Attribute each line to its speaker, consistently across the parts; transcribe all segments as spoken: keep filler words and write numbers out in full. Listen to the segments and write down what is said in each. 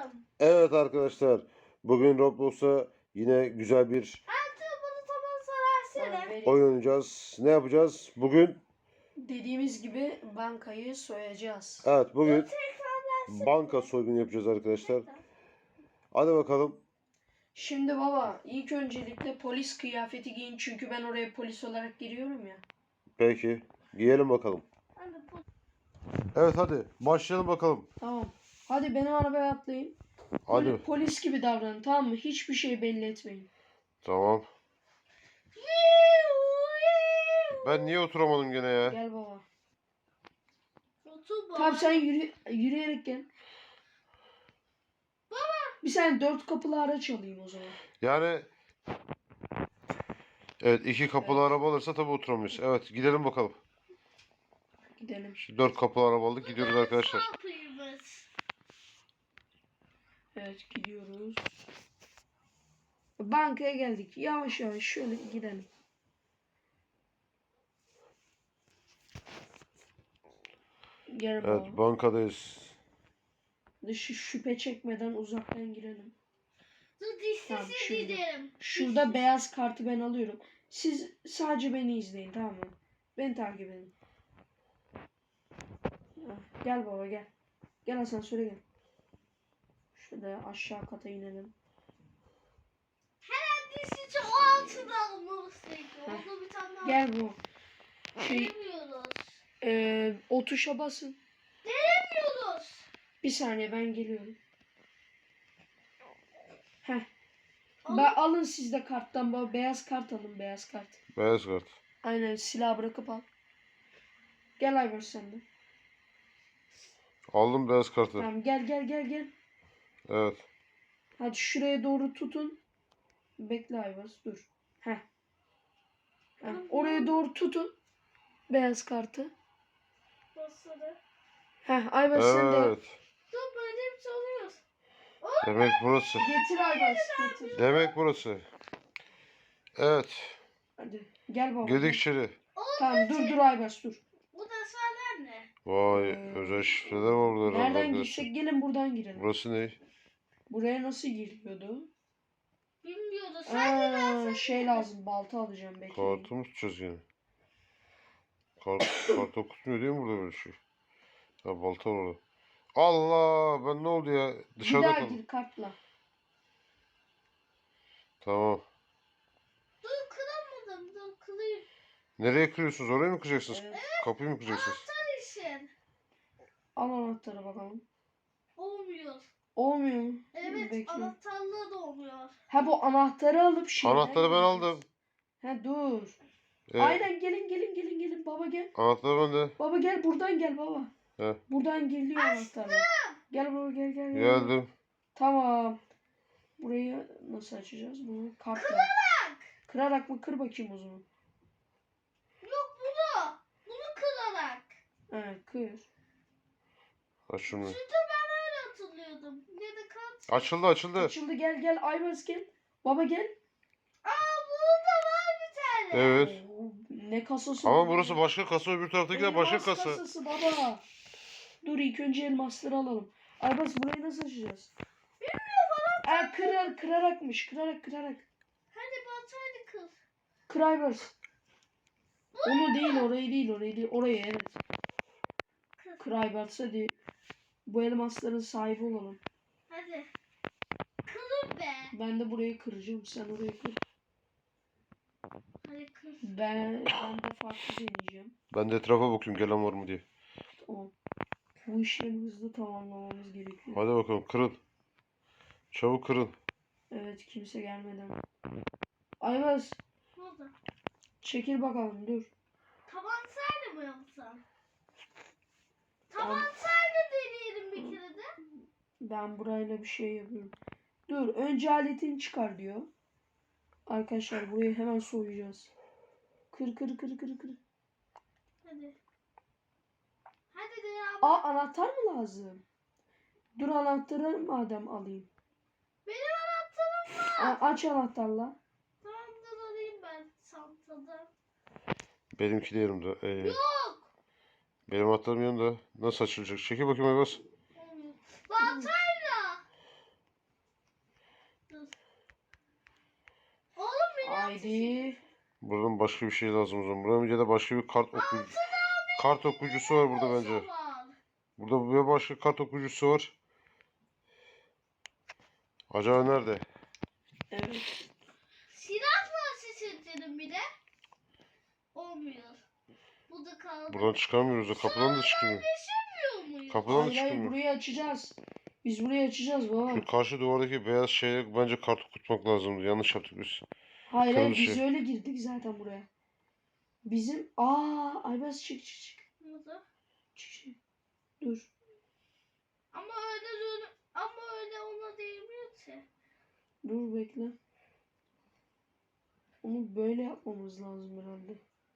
Speaker 1: oturalım.
Speaker 2: Evet arkadaşlar, bugün Roblox'a yine güzel bir
Speaker 1: Artık bunu tamam sorarsana.
Speaker 3: Tamam, vereyim.
Speaker 2: oyun oynayacağız. Ne yapacağız? Bugün,
Speaker 3: Dediğimiz gibi bankayı soyacağız.
Speaker 2: evet bugün
Speaker 1: Tekrarlarsın.
Speaker 2: banka soygunu yapacağız arkadaşlar. Hadi bakalım.
Speaker 3: Şimdi baba ilk öncelikle polis kıyafeti giyin çünkü ben oraya polis olarak giriyorum ya.
Speaker 2: Peki, giyelim bakalım.
Speaker 1: Hadi bu.
Speaker 2: Evet hadi, başlayalım bakalım.
Speaker 3: Tamam. Hadi benim arabaya atlayın.
Speaker 2: Hadi.
Speaker 3: Poli- polis gibi davranın, tamam mı? Hiçbir şey belli etmeyin.
Speaker 2: Tamam. Ben niye oturamadım gene ya?
Speaker 3: Gel baba.
Speaker 1: Otur baba.
Speaker 3: Tamam sen yürü, yürüyerek gel.
Speaker 1: Baba.
Speaker 3: Bir saniye dört kapılı araç alayım o zaman.
Speaker 2: Yani evet, iki kapılı
Speaker 3: Evet.
Speaker 2: araba alırsa tabii oturamayız. Evet, gidelim bakalım.
Speaker 3: Gidelim.
Speaker 2: Şimdi dört kapılı araba aldık, gidiyoruz arkadaşlar.
Speaker 1: Kapıyımız.
Speaker 3: Evet gidiyoruz. Bankaya geldik. Yavaş yavaş şöyle gidelim. Gel baba.
Speaker 2: Evet, bankadayız.
Speaker 3: Dışı şüphe çekmeden uzaktan girelim.
Speaker 1: Dur
Speaker 3: Tamam,
Speaker 1: dişsiz
Speaker 3: şimdi.
Speaker 1: gidelim.
Speaker 3: Şurada beyaz kartı ben alıyorum. Siz sadece beni izleyin, tamam mı? Beni takip edin. Heh, gel baba gel. Gel asansöre gel. Şurada aşağı kata inelim.
Speaker 1: Hemen dişsiz o altına almalısıydı. Onu bir tane daha.
Speaker 3: Gel bu. Şey,
Speaker 1: Gelemiyoruz.
Speaker 3: e, o tuşa basın.
Speaker 1: Gelemiyoruz.
Speaker 3: Bir saniye ben geliyorum. Heh.
Speaker 1: Al.
Speaker 3: Ben, alın siz de karttan baba. Beyaz kart alın, beyaz kart.
Speaker 2: Beyaz kart.
Speaker 3: Aynen, silah bırakıp al. Gel Ayber sen de.
Speaker 2: Aldım beyaz kartı.
Speaker 3: Tamam gel gel gel gel.
Speaker 2: Evet.
Speaker 3: Hadi şuraya doğru tutun. Bekle Ayvaz dur. Heh. Heh. Oraya doğru tutun. Beyaz kartı.
Speaker 1: Basarı.
Speaker 3: Heh Ayvaz sen de
Speaker 2: Evet.
Speaker 1: Dur böyle bir şey oluyor.
Speaker 2: Demek burası.
Speaker 3: getir Ayvaz getir.
Speaker 2: Demek burası. Evet.
Speaker 3: Hadi gel baba.
Speaker 2: Girdik içeri.
Speaker 3: Tamam dur dur Ayvaz dur.
Speaker 1: Bu da söyler ne?
Speaker 2: Vay,
Speaker 3: Ee,
Speaker 2: özel şifreler var burada herhalde
Speaker 3: Nereden
Speaker 2: arkadaşlar.
Speaker 3: girsek gelin buradan girelim.
Speaker 2: Burası ne?
Speaker 3: Buraya nasıl giriliyordu?
Speaker 1: Bilmiyoruz. Sen
Speaker 3: Aa, şey lazım, balta alacağım bekleyin.
Speaker 2: Kartı mı tutacağız yani? Kart, kart okutmuyor değil mi burada böyle şey? Ha, balta var orada. Allah, ben ne oldu ya?
Speaker 3: Bir
Speaker 2: Dışarıda
Speaker 3: daha
Speaker 2: kaldım.
Speaker 3: gir kartla.
Speaker 2: Tamam.
Speaker 1: dur kıramadım. Dur kırayım.
Speaker 2: Nereye kırıyorsunuz? Oraya mı kıracaksınız?
Speaker 3: Evet.
Speaker 2: Kapıyı mı kıracaksınız?
Speaker 1: Anahtar için.
Speaker 3: Al anahtarı bakalım.
Speaker 1: Olmuyor.
Speaker 3: Olmuyor mu?
Speaker 1: Evet
Speaker 3: Bekle.
Speaker 1: anahtarlığı da olmuyor.
Speaker 3: Ha bu anahtarı alıp şeyden
Speaker 2: Anahtarı ben
Speaker 3: gireceğiz.
Speaker 2: aldım.
Speaker 3: Ha dur.
Speaker 2: Ee,
Speaker 3: Aynen gelin gelin gelin gelin baba gel.
Speaker 2: Anahtarı bende.
Speaker 3: Baba gel buradan gel baba.
Speaker 2: He.
Speaker 3: Buradan giriliyor anahtarla. Gel baba gel gel. gel.
Speaker 2: Geldim.
Speaker 3: Tamam. Burayı nasıl açacağız bunu? Kartla. Kırarak. Kırarak mı? Kır bakayım o zaman.
Speaker 1: Yok bunu. Bunu kırarak.
Speaker 3: Evet kır.
Speaker 2: Aç şunu.
Speaker 1: Sütü ben öyle hatırlıyordum. Ya da kart.
Speaker 2: Açıldı açıldı.
Speaker 3: Açıldı gel gel Ayvaz gel. Baba gel.
Speaker 1: Aa burada var bir tane.
Speaker 2: Evet.
Speaker 3: Oo, ne kasası?
Speaker 2: Ama
Speaker 3: bu?
Speaker 2: burası başka kasa, öbür taraftaki de başka
Speaker 3: Elmas
Speaker 2: kasa.
Speaker 3: kasası baba. Dur ilk önce elmasları alalım. Aybaz burayı nasıl açacağız?
Speaker 1: Bilmiyorum bana.
Speaker 3: Aa, kırar, kırarakmış. Kırarak kırarak.
Speaker 1: Hadi baltayla kır.
Speaker 3: Kır Aybaz. Onu değil orayı değil orayı değil. Orayı evet.
Speaker 1: Kır.
Speaker 3: Kır Aybaz hadi. Bu elmasların sahibi olalım.
Speaker 1: Hadi. Kırın be.
Speaker 3: Ben de burayı kıracağım. Sen orayı kır.
Speaker 1: Hadi kır.
Speaker 3: Ben, ben de farklı deneyeceğim.
Speaker 2: Ben de etrafa bakıyorum gelen var mı diye.
Speaker 3: Tamam. Bu işlemi hızlı tamamlamamız gerekiyor.
Speaker 2: Hadi bakalım kırın. Çabuk kırın.
Speaker 3: Evet kimse gelmeden. Aybaz
Speaker 1: Ne oldu?
Speaker 3: çekil bakalım dur.
Speaker 1: Tabancayla mı yapsam? Tabancayla deneyelim bir kere de.
Speaker 3: Ben burayla bir şey yapıyorum. Dur önce aletini çıkar diyor. Arkadaşlar burayı hemen soyacağız. Kır kır kır kır kır.
Speaker 1: Hadi. Hadi de ya.
Speaker 3: Aa anahtar mı lazım? Dur anahtarı madem alayım.
Speaker 1: Benim anahtarım var.
Speaker 3: A- aç anahtarla.
Speaker 1: Tamam dur alayım ben çantada.
Speaker 2: Benimki de yanımda. Ee,
Speaker 1: Yok.
Speaker 2: benim anahtarım yanında. Nasıl açılacak? Çekil bakayım Aybas.
Speaker 1: Olmuyor. Baltayla.
Speaker 3: Haydi.
Speaker 2: Buradan başka bir şey lazım o zaman. Buradan ya da başka bir kart okuyucu. Kart okuyucusu var burada bence.
Speaker 1: Zaman.
Speaker 2: Burada bir başka kart okuyucusu var. Acaba nerede?
Speaker 3: Evet.
Speaker 1: Silah var seçelim bir de. Olmuyor. Bu da kaldı.
Speaker 2: Buradan çıkamıyoruz da kapıdan da çıkmıyor.
Speaker 1: Yaşamıyor muyuz?
Speaker 2: Kapıdan da
Speaker 3: Hayır hayır
Speaker 2: çıkmıyor.
Speaker 3: burayı açacağız. Biz burayı açacağız baba.
Speaker 2: Şu karşı duvardaki beyaz şeye bence kart okutmak lazımdı. Yanlış yaptık biz.
Speaker 3: Hayır hayır
Speaker 2: kırmızı
Speaker 3: biz
Speaker 2: şey.
Speaker 3: öyle girdik zaten buraya. Bizim aa Aybaz çık çık çık.
Speaker 1: Burada.
Speaker 3: Çık çık. Dur.
Speaker 1: Ama öyle dur- ama öyle ona değmiyor ki.
Speaker 3: Dur bekle. Onu böyle yapmamız lazım herhalde.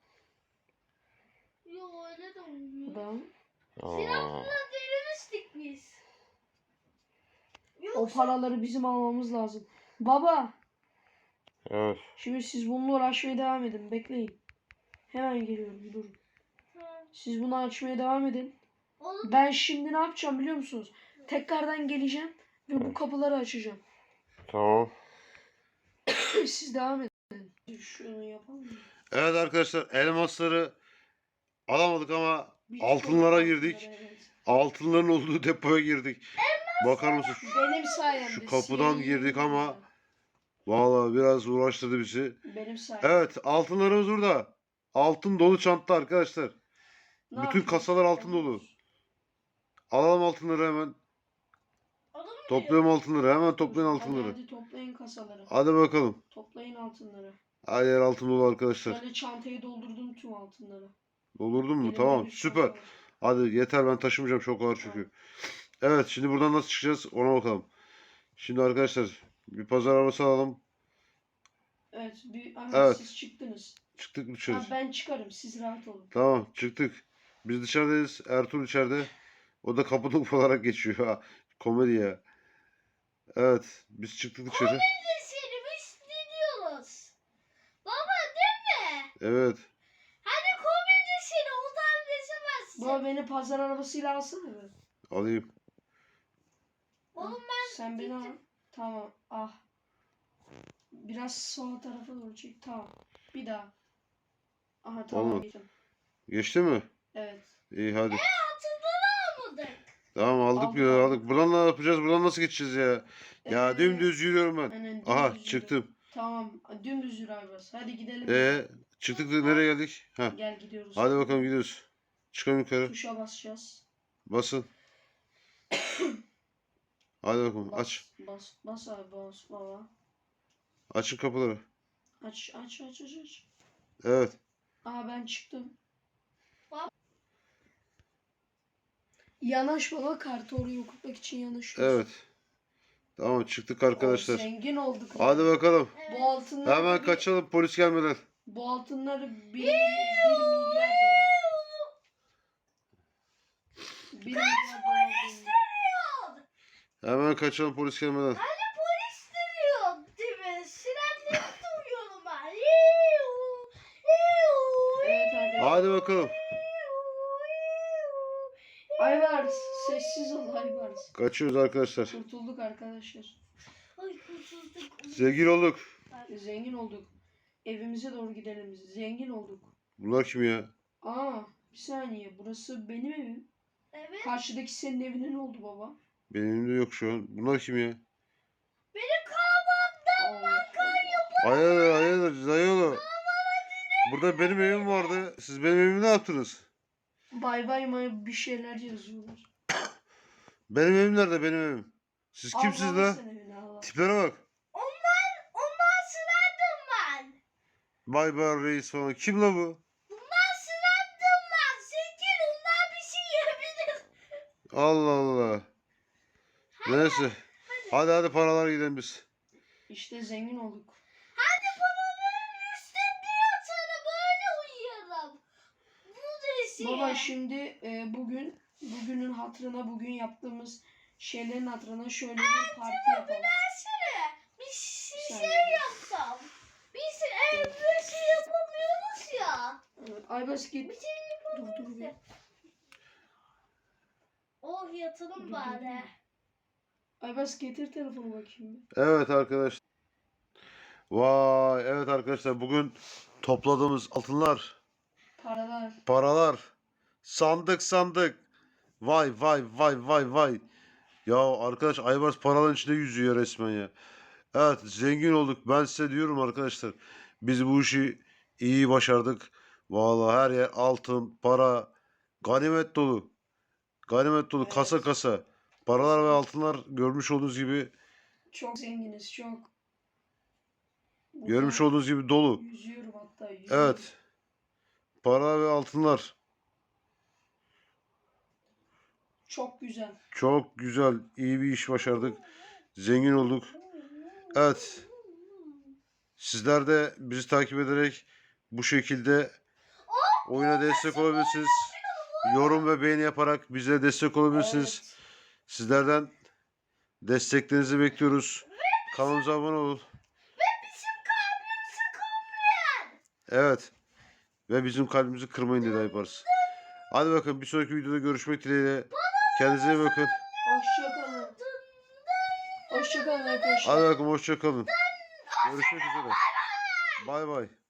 Speaker 1: Yok öyle de olmuyor.
Speaker 3: Adam.
Speaker 2: Aa.
Speaker 1: Denemiştik biz.
Speaker 3: O
Speaker 1: Yoksa
Speaker 3: paraları bizim almamız lazım. Baba.
Speaker 2: Evet.
Speaker 3: Şimdi siz bununla uğraşmaya devam edin. Bekleyin. Hemen geliyorum. Durun.
Speaker 1: Ha,
Speaker 3: Siz bunu açmaya devam edin.
Speaker 1: oğlum
Speaker 3: Ben şimdi ne yapacağım biliyor musunuz? Tekrardan geleceğim ve bu kapıları açacağım.
Speaker 2: Tamam.
Speaker 3: Siz devam edin. Şunu yapalım mı?
Speaker 2: Evet arkadaşlar elmasları alamadık ama
Speaker 3: Bir
Speaker 2: altınlara
Speaker 3: çok
Speaker 2: girdik.
Speaker 3: altınlara, evet.
Speaker 2: Altınların olduğu depoya girdik. Bakar mısın?
Speaker 3: Benim sayemde.
Speaker 2: Şu kapıdan
Speaker 3: sihirli
Speaker 2: girdik ama
Speaker 3: yollarla.
Speaker 2: vallahi biraz uğraştırdı bizi.
Speaker 3: Benim sayemde.
Speaker 2: Evet altınlarımız burada. Altın dolu çanta arkadaşlar.
Speaker 3: Ne
Speaker 2: bütün
Speaker 3: yapıyoruz?
Speaker 2: kasalar altın dolu. Alalım altınları hemen.
Speaker 1: adam mı
Speaker 2: Toplayalım altınları. Hemen toplayın
Speaker 3: Hadi,
Speaker 2: altınları.
Speaker 3: hadi toplayın kasaları.
Speaker 2: Hadi bakalım.
Speaker 3: Toplayın altınları.
Speaker 2: Her yer altın dolu arkadaşlar.
Speaker 3: Şöyle çantayı doldurdum tüm altınları.
Speaker 2: Doldurdun mu?
Speaker 3: Elimde
Speaker 2: Tamam
Speaker 3: bir
Speaker 2: süper.
Speaker 3: çanta var.
Speaker 2: Hadi yeter ben taşımayacağım çok ağır çünkü. Evet şimdi buradan nasıl çıkacağız ona bakalım. Şimdi arkadaşlar bir pazar arabası alalım.
Speaker 3: Evet, bir, ama
Speaker 2: Evet.
Speaker 3: siz çıktınız.
Speaker 2: Çıktık dışarı.
Speaker 3: Ha, ben çıkarım, siz rahat olun.
Speaker 2: Tamam çıktık. Biz dışarıdayız. Ertuğrul içeride. O da kapıda ufalarak geçiyor. Ha, komedi ya. Evet biz çıktık dışarı.
Speaker 1: seni biz dinliyoruz. Baba değil mi?
Speaker 2: Evet.
Speaker 1: Hani komedi seni ondan geçemezsin.
Speaker 3: Baba beni pazar arabasıyla alsana be.
Speaker 2: Alayım.
Speaker 1: Oğlum ben
Speaker 3: Sen beni al.
Speaker 1: gittim.
Speaker 3: Tamam, ah. Biraz sol tarafa doğru çek. Tamam. Bir daha. Aha tamam.
Speaker 2: Olmadı.
Speaker 3: geçtim.
Speaker 2: Geçti mi?
Speaker 3: Evet.
Speaker 2: İyi hadi.
Speaker 1: Hatırları almadık.
Speaker 2: Tamam aldık
Speaker 3: Aldık,
Speaker 2: ya
Speaker 3: aldık.
Speaker 2: aldık. Buradan ne yapacağız? Buradan nasıl geçeceğiz ya? Ya
Speaker 3: Ee,
Speaker 2: dümdüz yürüyorum ben.
Speaker 3: aynen,
Speaker 2: Aha
Speaker 3: dümdüz yürü.
Speaker 2: çıktım.
Speaker 3: Tamam. Dümdüz yürü Aybaz. Hadi gidelim.
Speaker 2: Ee çıktık da nereye geldik? Ha.
Speaker 3: Gel gidiyoruz.
Speaker 2: Hadi bakalım gidiyoruz. Çıkalım yukarı.
Speaker 3: Tuşa basacağız.
Speaker 2: Basın. Hadi bakalım
Speaker 3: Bas,
Speaker 2: aç.
Speaker 3: Bas, bas abi bas baba.
Speaker 2: Açın kapıları.
Speaker 3: Aç, aç, aç, aç, aç.
Speaker 2: Evet.
Speaker 3: Aa ben çıktım.
Speaker 1: Bab-
Speaker 3: Yanaş baba, kartı oraya okutmak için yanaşıyoruz.
Speaker 2: Evet. Tamam çıktık
Speaker 3: Oo,
Speaker 2: arkadaşlar.
Speaker 3: zengin olduk.
Speaker 2: Hadi bakalım.
Speaker 1: Evet.
Speaker 3: Bu altınları
Speaker 2: Hemen
Speaker 3: bir-
Speaker 2: kaçalım polis gelmeden.
Speaker 3: Bu altınları bir, bir milyar dolar. Bir milyar dolar değil.
Speaker 2: Hemen kaçalım polis gelmeden.
Speaker 1: Hani polis duruyor değil mi? Sirenleri duyuyorum ben. Yiu, yiu,
Speaker 3: Evet arkadaşlar.
Speaker 2: Hadi bakalım.
Speaker 3: Aybars sessiz ol Aybars.
Speaker 2: Kaçıyoruz arkadaşlar.
Speaker 3: Kurtulduk arkadaşlar.
Speaker 1: Ay kurtulduk.
Speaker 2: Zengin olduk.
Speaker 3: Zengin olduk. Evimize doğru gidelim. Zengin olduk.
Speaker 2: Bunlar kim ya?
Speaker 3: Aa bir saniye, burası benim evim.
Speaker 1: Evet.
Speaker 3: Karşıdaki senin evine ne oldu baba?
Speaker 2: Benim elimde yok şu an. Bunlar kim ya?
Speaker 1: Benim kahvamdan
Speaker 3: Allah.
Speaker 2: Hayırdır hayırdır dayıoğlu. Burada benim evim vardı. Siz benim evimi ne yaptınız?
Speaker 3: Bay bay may bir şeyler yazıyorlar.
Speaker 2: Benim evim nerede benim evim? Siz kimsiniz
Speaker 3: Allah
Speaker 2: la?
Speaker 3: sen evine Allah.
Speaker 2: Tiplere bak.
Speaker 1: Ondan, ondan sırandım ben.
Speaker 2: Bay bay reis falan. Kim la bu?
Speaker 1: Bundan sırandım ben. Zengin ondan bir şey yiyebilir.
Speaker 2: Allah Allah. Neyse. Hadi hadi paralar gidelim biz.
Speaker 3: İşte zengin olduk.
Speaker 1: Hadi babanın üstünde yatarım böyle uyuyalım. Bu rezil.
Speaker 3: Baba şimdi e, bugün bugünün hatırına, bugün yaptığımız şeylerin hatırına şöyle bir parti yapalım.
Speaker 1: Versene. Bir şey,
Speaker 3: Bir
Speaker 1: şey
Speaker 3: saniye.
Speaker 1: yapsam. Biz evde şey yapamıyoruz ya.
Speaker 3: Evet, Aybars git.
Speaker 1: Bir şey
Speaker 3: Dur dur bir.
Speaker 1: Oh yatalım
Speaker 3: Dur, dur,
Speaker 1: bari.
Speaker 3: Aybars getir telefonu bakayım bir.
Speaker 2: Evet arkadaşlar. Vay evet arkadaşlar bugün topladığımız altınlar,
Speaker 3: Paralar.
Speaker 2: paralar, sandık sandık. Vay vay vay vay vay. Ya arkadaş Aybars paraların içinde yüzüyor resmen ya. Evet zengin olduk. Ben size diyorum arkadaşlar. Biz bu işi iyi başardık. Vallahi her yer altın, para, ganimet dolu. Ganimet dolu kasa
Speaker 3: Evet.
Speaker 2: kasa. Paralar ve altınlar görmüş olduğunuz gibi
Speaker 3: Çok zenginiz çok. Burada
Speaker 2: görmüş olduğunuz gibi dolu.
Speaker 3: yüzüyorum hatta yüzüyorum.
Speaker 2: Evet. Para ve altınlar.
Speaker 3: Çok güzel.
Speaker 2: Çok güzel, iyi bir iş başardık. Zengin olduk. Evet. Sizler de bizi takip ederek bu şekilde oyuna destek olabilirsiniz. Yorum ve beğeni yaparak bize destek olabilirsiniz.
Speaker 3: Evet.
Speaker 2: Sizlerden desteklerinizi bekliyoruz. Kanalımıza abone olun.
Speaker 1: Bizim kalbimizi kırmayın.
Speaker 2: Evet. Ve bizim kalbimizi kırmayın dedi Aybars. Hadi bakın bir sonraki videoda görüşmek dileğiyle. Kendinize iyi bakın.
Speaker 3: Hoşçakalın. Hoşçakalın arkadaşlar.
Speaker 2: Hadi bakın hoşça kalın. Görüşmek üzere. Bay bay.